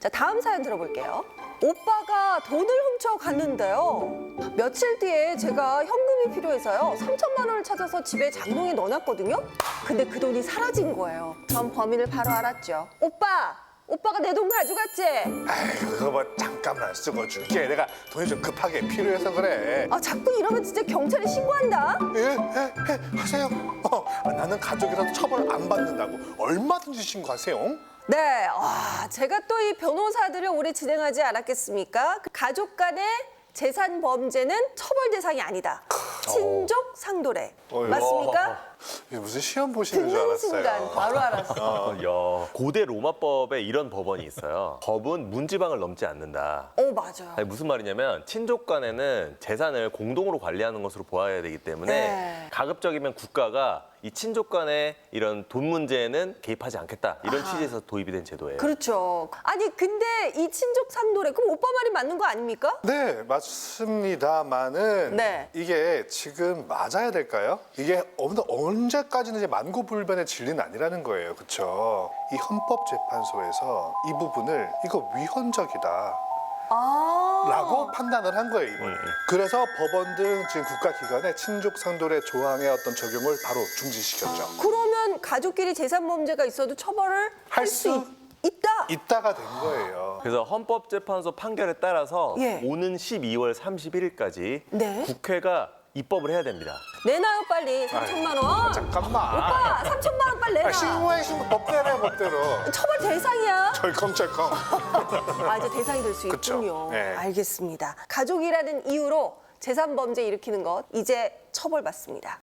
자, 다음 사연 들어볼게요. 오빠가 돈을 훔쳐갔는데요. 며칠 뒤에 제가 현금이 필요해서요. 3천만 원을 찾아서 집에 장롱에 넣어놨거든요. 근데 그 돈이 사라진 거예요. 전 범인을 바로 알았죠. 오빠가 내 돈 가져갔지? 아이고 그거 뭐 잠깐만 쓰고 줄게. 내가 돈이 좀 급하게 필요해서 그래. 아, 자꾸 이러면 진짜 경찰에 신고한다. 예, 하세요. 나는 가족이라도 처벌 안 받는다고 얼마든지 신고하세요. 네, 제가 또 이 변호사들을 오래 진행하지 않았겠습니까? 그 가족 간의 재산 범죄는 처벌 대상이 아니다. 친족 상도례. 맞습니까? 이게 무슨 시험 보시는 줄 듣는 알았어요. 순간 바로 알았어. 야, 고대 로마법에 이런 법원이 있어요. 법은 문지방을 넘지 않는다. 맞아요. 아니, 무슨 말이냐면 친족 간에는 재산을 공동으로 관리하는 것으로 보아야 되기 때문에 네. 가급적이면 국가가 이 친족 간의 이런 돈 문제에는 개입하지 않겠다. 이런 취지에서 도입이 된 제도예요. 그렇죠. 아니, 근데 이 친족 상도례, 그럼 오빠 말이 맞는 거 아닙니까? 네, 맞습니다만은 네. 이게 지금 맞아야 될까요? 이게 언제까지는 이제 만고불변의 진리는 아니라는 거예요. 그렇죠? 이 헌법재판소에서 이 부분을 이거 위헌적이다. 라고 판단을 한 거예요, 이번에. 그래서 법원 등 지금 국가기관에 친족상도례 조항의 어떤 적용을 바로 중지시켰죠. 그러면 가족끼리 재산 범죄가 있어도 처벌을 할 수 있다. 있다가 된 거예요. 그래서 헌법재판소 판결에 따라서 예. 오는 12월 31일까지 네. 국회가 입법을 해야 됩니다. 내놔요, 빨리. 3천만 원. 잠깐만. 오빠, 3천만 원 빨리 내놔. 신고해, 법대로 법대로. 처벌 대상이야. 철컹철컹. 이제 대상이 될 수 그쵸. 있군요. 네. 알겠습니다. 가족이라는 이유로 재산 범죄 일으키는 것 이제 처벌받습니다.